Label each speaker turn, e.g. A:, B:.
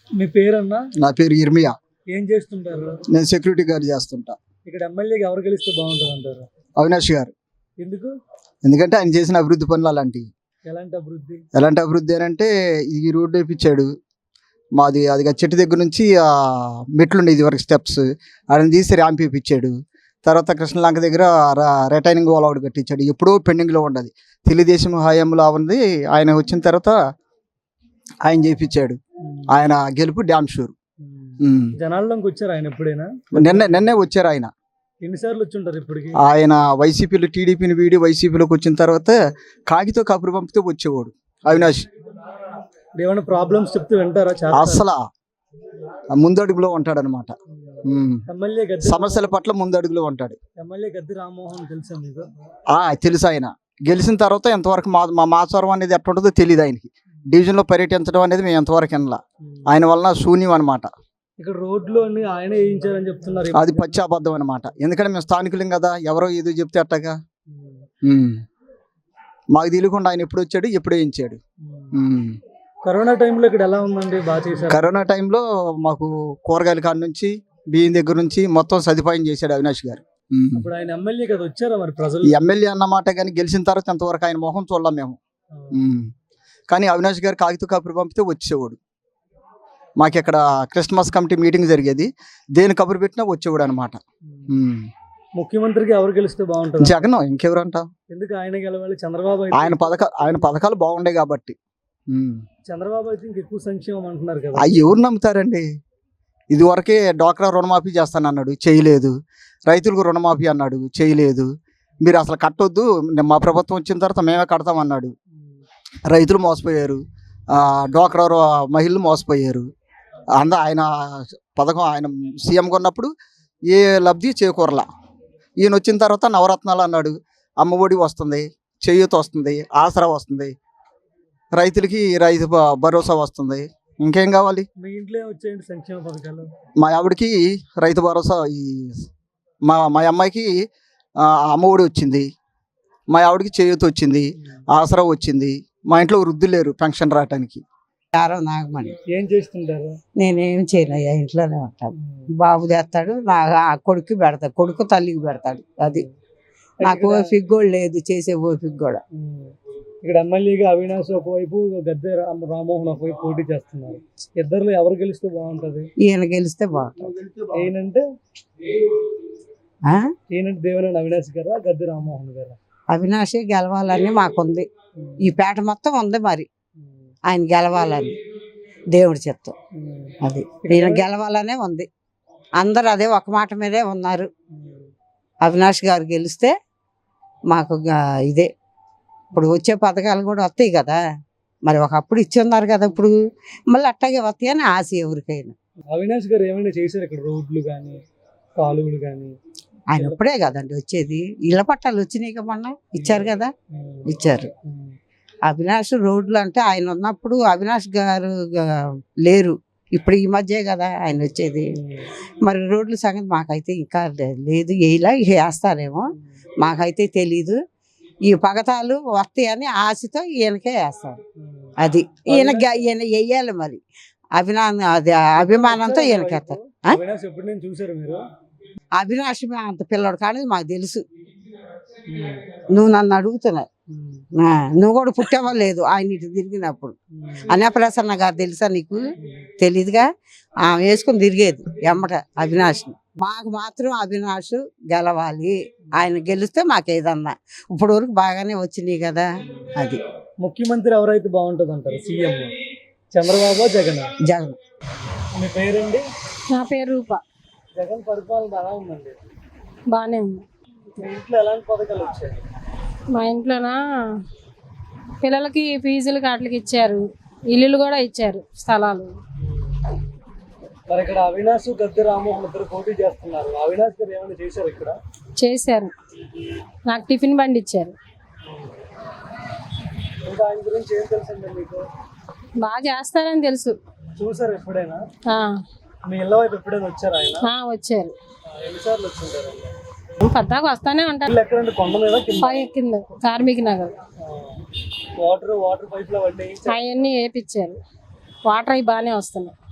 A: మీ పేరన్నా?
B: నా పేరు ఇర్మియా.
A: ఏం చేస్తుంటారు?
B: నేను సెక్యూరిటీ గార్డ్ చేస్తుంటా.
A: ఇక్కడ ఎమ్మెల్యేగా ఎవరు గెలిస్తే బాగుంటుంది అంటారు?
B: అవినాష్ గారు.
A: ఎందుకు?
B: ఎందుకంటే ఆయన చేసిన అభివృద్ధి పనులు అలాంటివి. ఎలాంటి అభివృద్ధి అని అంటే ఈ రోడ్డు వేయించాడు. మాది అది చెట్టు దగ్గర నుంచి మెట్లు ఉండేది వరకు స్టెప్స్ ఆయన తీసి ర్యాంప్ వేయించాడు. తర్వాత కృష్ణలంక దగ్గర రిటైనింగ్ వాల్ ఒకటి కట్టించాడు. ఎప్పుడో పెండింగ్లో ఉండదు. తెలుగుదేశం హయాంలో ఉంది. ఆయన వచ్చిన తర్వాత ఆయన చేయించాడు. ఆయన గెలుపు డ్యామ్ షూర్.
A: జనాల్లోకి వచ్చారు ఆయన ఎప్పుడైనా?
B: నిన్నే వచ్చారు ఆయన.
A: ఎన్నిసార్లు వచ్చుంటారు ఇప్పటికి?
B: ఆయన వైసీపీలో టీడీపీని వీడి వైసీపీలోకి వచ్చిన తర్వాత కాగితో కబురు పంపితే వచ్చేవాడు అవినాష్.
A: ఏమైనా ప్రాబ్లమ్స్ చెప్తే వింటారా?
B: అసలు ముందడుగులో ఉంటాడనమాట. సమస్యల పట్ల ముందడుగులో ఉంటాడు.
A: ఎమ్మెల్యే గద్ది రామ్మోహన్ తెలుసా మీకు?
B: తెలుసు. ఆయన గెలిచిన తర్వాత ఎంతవరకు మా స్వరం అనేది ఎట్లా ఉంటుందో తెలియదు ఆయనకి. డివిజన్లో పర్యటించడం అనేది మేము ఎంతవరకు వినలా. ఆయన వలన శూన్యం అనమాట.
A: ఇక్కడ రోడ్లు అన్ని ఆయన వేయించారని చెప్తున్నారు.
B: అది పచ్చి అబద్ధం అనమాట. ఎందుకంటే మేము స్థానికులం కదా, ఎవరో ఏదో చెప్తే అట్టగా. మాకు తెలియకుండా ఆయన ఎప్పుడు వచ్చాడు, ఎప్పుడు వేయించాడు.
A: కరోనా టైంలో ఇక్కడ ఎలా ఉందండి? బాగా చేశారు.
B: కరోనా టైంలో మాకు కూరగాయల కాడ నుంచి బియ్యం దగ్గర నుంచి మొత్తం సదుపాయం చేశాడు అవినాష్ గారు.
A: ఇప్పుడు ఆయన ఎమ్మెల్యే కదా, వచ్చారా మరి ప్రజలు?
B: ఎమ్మెల్యే అన్నమాట, కానీ గెలిచిన తర్వాత ఎంతవరకు ఆయన మొహం చూడలేం మేము. కానీ అవినాష్ గారు కాగితం కబురు పంపితే వచ్చేవాడు. మాకు ఇక్కడ క్రిస్మస్ కమిటీ మీటింగ్ జరిగేది. దేని కబురు పెట్టినా వచ్చేవాడు అనమాట.
A: ముఖ్యమంత్రికి ఎవరు గెలిస్తే బాగుంటుంది?
B: జగన్. ఇంకెవరంట?
A: ఎందుకు ఆయన గెలవాలి? చంద్రబాబు
B: ఆయన పథకాలు బాగుండే కాబట్టి.
A: చంద్రబాబు అయితే ఇంకెక్కువ సంక్షేమం అంటున్నారు కదా.
B: అవి ఎవరు నమ్ముతారండి? ఇది వరకే డ్వాక్రా రుణమాఫీ చేస్తాను అన్నాడు, చేయలేదు. రైతులకు రుణమాఫీ అన్నాడు, చేయలేదు. మీరు అసలు కట్టొద్దు, మా ప్రభుత్వం వచ్చిన తర్వాత మేమే కడతామన్నాడు. రైతులు మోసపోయారు, డ్వాక్రా మహిళలు మోసపోయారు. ఆయన పథకం ఆయన సీఎంగా ఉన్నప్పుడు ఏ లబ్ధి చేకూరలా. ఈయన వచ్చిన తర్వాత నవరత్నాలు అన్నాడు. అమ్మఒడి వస్తుంది, చేయూత వస్తుంది, ఆసరా వస్తుంది, రైతులకి రైతు భరోసా వస్తుంది. ఇంకేం కావాలి?
A: మీ ఇంట్లో వచ్చేయండి సంక్షేమ పథకాలు.
B: మా ఆవిడకి రైతు భరోసా, మా అమ్మాయికి అమ్మఒడి వచ్చింది, మా ఆవిడకి చేయూత వచ్చింది, ఆసరా వచ్చింది. మా ఇంట్లో వృద్ధులు లేరు పెన్షన్ రావటానికి.
C: నాగమణి.
A: ఏం చేస్తుంటారు?
C: నేనేం చేయనయ్యా, ఇంట్లోనే ఉంటాను. బాబు తెస్తాడు, నా కొడుకు పెడతాడు, కొడుకు తల్లికి పెడతాడు. అది నాకు ఓపిక కూడా లేదు, చేసే ఓపిక కూడా.
A: ఇక్కడ ఎమ్మెల్యేగా అవినాష్ ఒకవైపు, గద్దె రామ్మోహన్ ఒకవైపు పోటీ చేస్తున్నారు. ఇద్దరు ఎవరు గెలిస్తే బాగుంటది?
C: ఈయన గెలిస్తే బాగుంటుంది.
A: ఈయనంటే దేవినేని అవినాష్ గారా, గద్దె రామ్మోహన్ గారా?
C: అవినాష్ గెలవాలని మాకుంది. ఈ పేట మొత్తం ఉంది, మరి ఆయన గెలవాలని దేవుడి చిత్తం. అది ఈయన గెలవాలనే ఉంది. అందరు అదే ఒక మాట మీదే ఉన్నారు. అవినాష్ గారు గెలిస్తే మాకు ఇదే. ఇప్పుడు వచ్చే పథకాలు కూడా వస్తాయి కదా, మరి ఒకప్పుడు ఇచ్చి ఉన్నారు కదా, ఇప్పుడు మళ్ళీ అట్టాగే వస్తాయి అని ఆశ ఎవరికైనా.
A: అవినాష్ గారు ఏమైనా చేశారు ఇక్కడ? రోడ్లు కానీ కాలువలు కానీ?
C: ఆయన ఇప్పుడే కదండి వచ్చేది. ఇళ్ల పట్టాలు వచ్చినాయి మొన్న ఇచ్చారు కదా, ఇచ్చారు. అవినాష్ రోడ్లు అంటే ఆయన ఉన్నప్పుడు అవినాష్ గారు లేరు, ఇప్పుడు ఈ మధ్యే కదా ఆయన వచ్చేది. మరి రోడ్ల సంగతి మాకైతే ఇంకా లేదు, ఇలా వేస్తారేమో మాకైతే తెలీదు. ఈ పగతాలు వస్తాయని ఆశతో ఈయనకే వేస్తారు. అది ఈయన వెయ్యాలి మరి. అభిమానంతో ఈయనకేస్తారు. అవినాష్ అంత పిల్లడు కానీ మాకు తెలుసు. నువ్వు నన్ను అడుగుతున్నావు, నువ్వు కూడా పుట్టావో లేదు ఆయన ఇటు తిరిగినప్పుడు. అన్నప్రసన్న గారు తెలుసా నీకు? తెలీదుగా. ఆమె వేసుకుని తిరిగేది ఎమ్మట అవినాష్ని. మాకు మాత్రం అవినాష్ గెలవాలి. ఆయన గెలిస్తే మాకేదన్నా ఇప్పుడు వరకు బాగానే వచ్చినాయి కదా. అది
A: ముఖ్యమంత్రి ఎవరైతే బాగుంటుంది అంటారు? సీఎం చంద్రబాబు, జగన్?
C: జగన్.
A: మీ పేరండి?
D: నా పేరు రూప.
A: జగన్ పరిపాలన ఎలా ఉందండి?
D: బాగానే ఉంది.
A: మీ ఇంట్లో ఎలాంటి పథకాలు వచ్చాయి?
D: మా ఇంట్లోనా పిల్లలకి ఫీజులు వాటికి ఇచ్చారు, ఇల్లులు కూడా ఇచ్చారు, స్థలాలు.
A: మరి ఇక్కడ అవినాష్, గద్దె రామ్మోహన్ ఇద్దరు పోటీ చేస్తున్నారు. అవినాష్ గారు ఏమైనా చేశారు ఇక్కడ?
D: చేశారు, నాకు టిఫిన్ బండి ఇచ్చారు.
A: ఇంకా ఆయన గురించి ఏం తెలుసండి మీకు?
D: బాగా చేస్తారని తెలుసు.
A: చూసారు ఎప్పుడైనా? మీ ఇళ్ళ వైపు ఎప్పుడైనా వచ్చారు ఆయన?
D: వచ్చారు.
A: ఎన్నిసార్లు వచ్చింటారు?
D: పద్దాకు వస్తానే ఉంటారు.
A: ఎక్కడండి? కొండ మీద
D: కింద కార్మిక నగర్.
A: వాటర్ పైప్ లో
D: అవన్నీ వేపించారు. వాటర్ అవి బాగానే వస్తున్నాయి.